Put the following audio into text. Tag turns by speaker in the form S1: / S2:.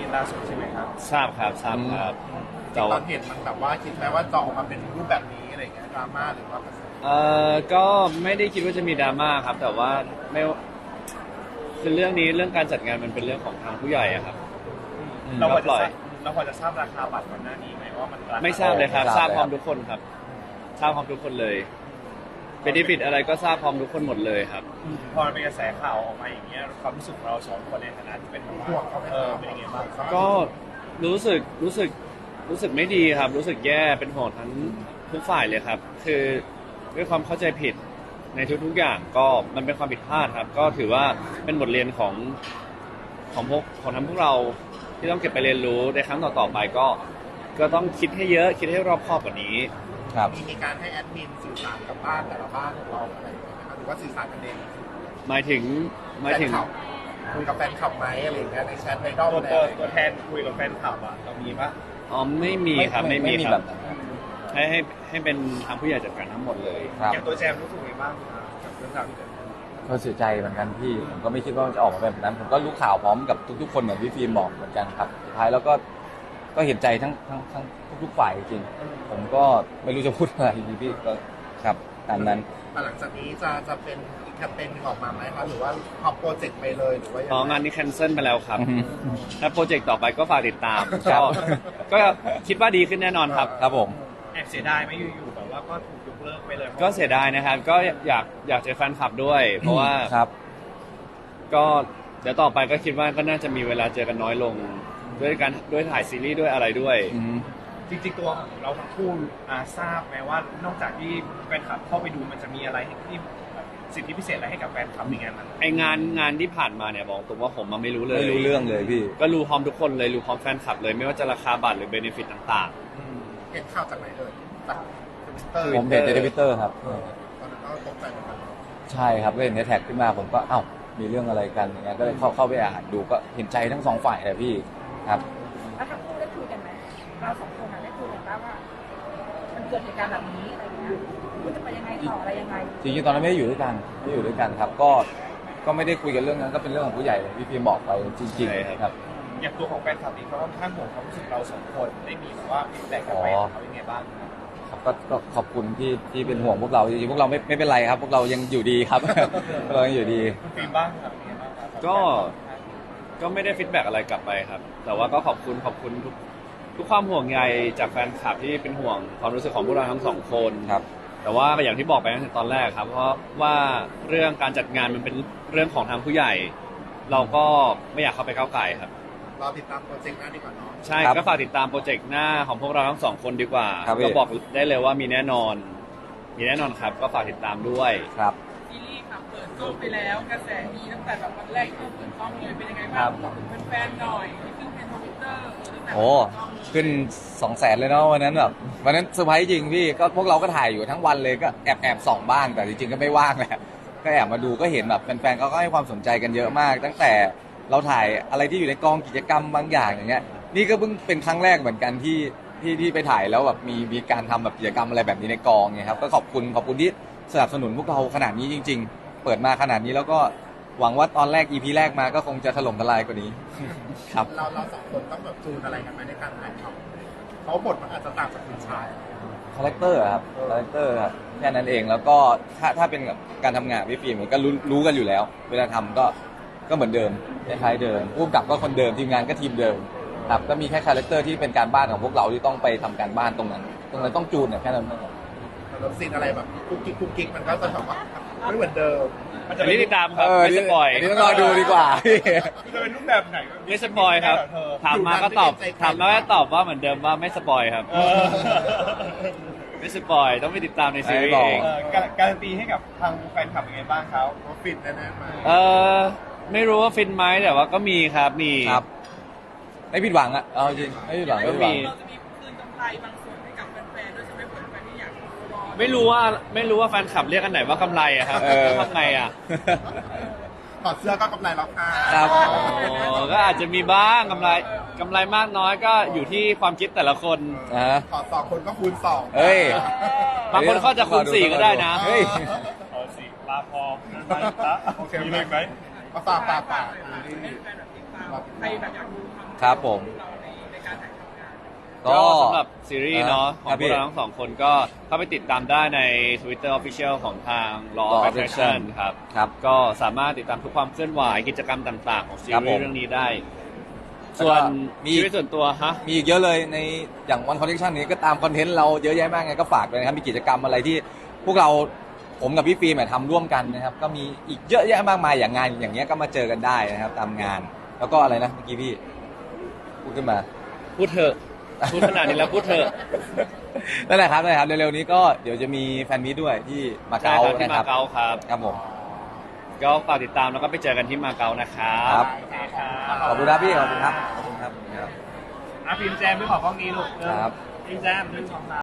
S1: ล่าสุดใช่ไหมครับ
S2: ทราบครับ
S1: ตอนเห็นมันแบบว่าคิดไหมว่าจะออกมาเป็นรูปแบบนี้อะไรอย่างเงี้ยดราม่าหรือว่า
S2: ก็ไม่ได้คิดว่าจะมีดราม่าครับแต่ว่าไม่คือเรื่องการจัดงานมันเป็นเรื่องของทางผู้ใหญ่อะครับ
S1: เราพอ
S2: ปล่อย
S1: จะทราบราคาบัตรก่อนหน้านี้ไหมว่ามันราคา
S2: ไม่ทราบเลยครับทราบพร้อมทุกคนครับทราบพร้อมทุกคนเลยเป็นดิฟิตอะไรก็ทราบพร้อมทุกคนหมดเลยครับ
S1: พอมันเป็นกระแสข่าวออกมาอย่างเงี้ยความรู้สึกของเราสองคนในฐานะที่เป็นห่วงเขาเป็นยังไงบ้าง
S2: ก็รู้สึกไม่ดีครับรู้สึกแย่เป็นห่วงทั้งทุกฝ่ายเลยครับคือด้วยความเข้าใจผิดในทุกๆอย่างก็มันเป็นความผิดพลาดครับก็ถือว่าเป็นบทเรียนของทั้งพวกเราที่ต้องเก็บไปเรียนรู้ในครั้งต่อๆไปก็ต้องคิดให้เยอะคิดให้รอบคอบกว่านี้
S3: ครับ
S1: มีการให้แอดมินสื่อสารกับบ้านแต่ละบ้านของเราอะไรอย่างเงี้ยหรือว่าสื่อสารกันเอง
S2: หมายถึง
S1: คุยกับแฟนคลับไหมอะไรอย่างเงี้ยในแชทในดอมตัวแทนคุยกับแฟนคลับอ่ะเรามีปะ
S2: อ๋อไม่มีครับไม่มีค
S3: แบ
S2: รับบ
S3: นั้น
S2: ให้เป็นทางผู้ใหญ่จัดการทั้งหมดเลย
S1: อย่างตัวแจมรู้สึกยังไงบ้างกับเรื่องราวที่เกิดขึ้น
S3: ก็เสียใจเหมือนกันพี่ผมก็ไม่คิดว่าจะออกมาเป็นแบบนั้นผมก็รู้ข่าวพร้อมกับทุกๆคนเหมือนพี่ฟิล์มบอกเหมือนกันครับสุดท้ายแล้วก็เห็นใจทั้งทุกฝ่ายจริงผมก็ไม่รู้จะพูดอะไรพี่ก็ครับตามนั้น
S1: หลังจากนี้จะเป็นอีกแคมเปญนึงออกมาไหมครับหรือว่าเอาโปรเจกต์ไปเลยหรือว่า
S2: อ๋องานนี้แคนเซิลไปแล้วครับถ้าโปรเจกต์ต่อไปก็ฝากติดตามก็คิดว่าดีขึ้นแน่นอนครับ
S3: ครับผม
S1: แอบเสียดายไหมอยู่ๆแบบว่าก็ถูกยกเลิกไปเลย
S2: ก็เสียดายนะครับก็อยากเจอแฟนคลับด้วยเพราะว่าก็เดี๋ยวต่อไปก็คิดว่าก็น่าจะมีเวลาเจอกันน้อยลงด้วยถ่ายซีรีส์ด้วยอะไรด้วย
S1: จริงๆตัวเราทั้งคู่ทราบไหมว่านอกจากที่แฟนคลับเข้าไปดูมันจะมีอะไรที่สิทธิพิเศษอะไรให้กับแฟนคลับในงานนั้น
S2: ไองานที่ผ่านมาเนี่ยบอกตรงว่าผมไม่รู้เลย
S3: ไม่รู้เรื่องเลยพี่
S2: ก็รู้พร้อมทุกคนเลยรู้พร้อมแฟนคลับเลยไม่ว่าจะราคาบัตรหรือเบเนฟิตต่าง
S1: ๆเห็นข่าวจากไหนเลยจาก
S3: ผมเห็นในทวิตเตอร์ครับ
S1: ตอนนั้นก็ตกใจเหมือนกัน
S3: ใช่ครับก็เห็นในแท็กขึ้นมาผมก็มีเรื่องอะไรกันอย่างเงี้ยก็เลยเข้าไปอ่านดูก็เห็นใจทั้งสองฝ่ายเลยพี่ครับ
S4: แล้วทั้งคู่ได้คุยกันไหมเราสองคนได้คุยกันว่ามันเกิดเหตุการณ์แบบนี้อะไรเงี้ยคุณจะไปยังไงต่ออะไรยังไง
S3: จริงๆตอนนั้นไม่ได้อยู่ด้วยกันครับก็ไม่ได้คุยกันเรื่องนั้นก็เป็นเรื่องของผู้ใหญ่พี่พีบอกไปจริงๆครับ
S1: อย่างตัวของแฟนคลับเองเขาค่อนข้างห่วงความรู้สึกเราสองคนได้มีแบบว่าฟีดแบ็กกลับไปเขาเป็นไงบ้าง
S3: ครับก็ขอบคุณที่เป็นห่วงพวกเราจริงๆพวกเราไม่เป็นไรครับพวกเรายังอยู่ดีครับเรายังอยู่ดี
S1: คุณฟิล์มบ้างครับ
S2: ก็ไม่ได้ฟีดแบ็กอะไรกลับไปครับแต่ว่าก็ขอบคุณทุกความห่วงใยจากแฟนคลับที่เป็นห่วงความรู้สึกของพวกเราทั้งสองคน
S3: ครับ
S2: แต่ว่าอย่างที่บอกไปตั้งแต่ตอนแรกครับเพราะว่าเรื่องการจัดงานมันเป็นเรื่องของทางผู้ใหญ่เราก็ไม่อยากเข้าไปก้าวไก่ครับ
S1: รอติดตามโปรเจกต์หน้าดีกว่าเนาะ
S2: ใช่ก็ฝากติดตามโปรเจกต์หน้าของพวกเราทั้งสองคนดีกว่าก็บอกได้เลยว่ามีแน่นอนครับก็ฝากติดตามด้วย
S3: ครับ
S4: ซีรีส์ค่ะเปิดกล้องไปแล้วกระแสดีตั้งแต่แบบวันแรกที่เปิดกล้องเลยเป็นยังไงบ้างบอกถึงแฟนๆหน่อยที่ขึ้นเป็นทวิตเตอร์
S3: โอ้ขึ้น200,000เลยเนาะวันนั้นแบบวันนั้นเซอร์ไพรส์จริงพี่ก็พวกเราก็ถ่ายอยู่ทั้งวันเลยก็แอบส่องบ้างแต่จริงๆก็ไม่ว่างแหละก็แอบมาดูก็เห็นแบบแฟนๆเขาก็ให้ความสนใจกันเยอะมากตั้งแต่เราถ่ายอะไรที่อยู่ในกองกิจกรรมบางอย่างอย่างเงี้ยนี่ก็เพิ่งเป็นครั้งแรกเหมือนกันที่ไปถ่ายแล้วแบบมีการทำแบบกิจกรรมอะไรแบบนี้ในกองไงครับก็ขอบคุณที่สนับสนุนพวกเราขนาดนี้จริงๆเปิดมาขนาดนี้แล้วก็หวังว่าตอนแรก EP แรกมาก็คงจะถล่มทลายกว่านี้ครับ
S1: เราสองคนต้องแบบจูนอะไรกันไหมในการถ่ายทำเพราะบทมันอาจจะต่างจากคุณชาย
S3: คาแรคเตอร์ครับแค่นั้นเองแล้วก็ถ้าเป็นกับการทำงานพี่ฟิล์มก็รู้กันอยู่แล้วเวลาทำก็เหมือนเดิมคล้ายๆเดิมผู้กำกับก็คนเดิมทีมงานก็ทีมเดิมครับก็มีแค่คาแรคเตอร์ที่เป็นการบ้านของพวกเราที่ต้องไปทำการบ้านตรงนั้นต้องจูนเนี่ยแค่นั้นเอง
S1: แล้วซีนอะไรแบบกุ๊กกิ๊กมันก็จะแบบว่าไม่เหมือนเดิม
S2: มันจะไม่ติดตามครับไม่สปอย
S3: นี่ต้องรอดูดีกว่า
S1: จะเป็นรูปแบบไหน
S2: ไม่สปอยครับถามมาก็ตอบว่าเหมือนเดิมว่าไม่สปอยครับไม่สปอยต้องไปติดตามในซีรีส์เอง
S1: การันตีให้กับทางแฟนคลับยังไงบ้างเขาฟินแน่ๆไหม
S2: ไม่รู้ว่าฟินไหมแต่ว่าก็มีครับมี
S3: ครับไม่ผิดหวังอ่ะเอาจริงไม่ผิดหวัง
S2: ก็มี
S4: เราจะมีคืนกำไรบางส่วนให้กับแฟนๆด้วยใช่ไหมแฟนๆที่อยากรอ
S2: ไม่รู้ว่าแฟนคลับเรียกกันไหนว่ากำไรอะครับทำไงอะ
S1: ถอดเสื้อก็กำไรแล้วค่ะ
S3: ครับ
S2: ก็อาจจะมีบ้างกำไรมากน้อยก็อยู่ที่ความคิดแต่ละคน
S1: ถอด2คนก็คูณ2
S3: เฮ้ย
S2: บางคนก็จะคูณ4ก็ได้นะ
S3: เฮ้ย
S1: ถอด4ลาพอโอเคมีอะไรไหมฝาก
S4: ใครแบบอยากดูความ
S3: ครับผม
S4: เราในการถ่ายทำงาน
S2: ก็สำหรับซีรีส์เนาะของ
S3: ครับ
S2: พ
S3: พี่
S2: วกเราทั้งสองคนก็เข้าไปติดตามได้ใน Twitter Official ของทาง Law
S3: Law
S2: of
S3: of
S2: Attraction ครับ
S3: ครับ
S2: ก็สามารถติดตามทุกความเคลื่อนไหวกิจกรรมต่างๆ ของซี
S3: ครับ
S2: รี
S3: ผ
S2: ส์
S3: ม
S2: เรื่องนี้ได้
S3: แล้วก็
S2: ส่วน
S3: มี
S2: ชีวิตส่วนตัวฮะ
S3: มีอีกเยอะเลยในอย่างวันคอนเนคชั่นนี้ก็ตามคอนเทนต์เราเยอะแยะมากไงก็ฝากด้วยนะครับมีกิจกรรมอะไรที่พวกเราผมกับพี่ฟิล์มเนี่ยทำร่วมกันนะครับก็มีอีกเยอะแยะมากมายอย่างงานอย่างเงี้ยก็มาเจอกันได้นะครับตามงาน แล้วก็อะไรนะเมื่อกี้พี่พูดขึ้นมา
S2: พูดเถอะ พูดขนาดนี้แล้วพูดเถอะ
S3: นั่นแหละครับเร็วๆนี้ก็เดี๋ยวจะมีแฟนมิตด้วยที่มา
S2: ใช่
S3: เก๊า
S2: ครับที่
S3: นะค
S2: มา
S3: รับ
S2: เก๊าครับ
S3: ครับผม
S2: ก็ฝากติดตามแล้วก็ไปเจอกันที่มาเก๊านะครับ
S3: ครับ
S1: โอเคครับ
S3: ขอบคุณครับพี่ขอบคุณครับขอบคุณครับ
S1: อ่ะพิมพ์แจมไม่ขอกล้องนี้ลูก
S3: ครับ
S1: พิมพ์แจม1 2 3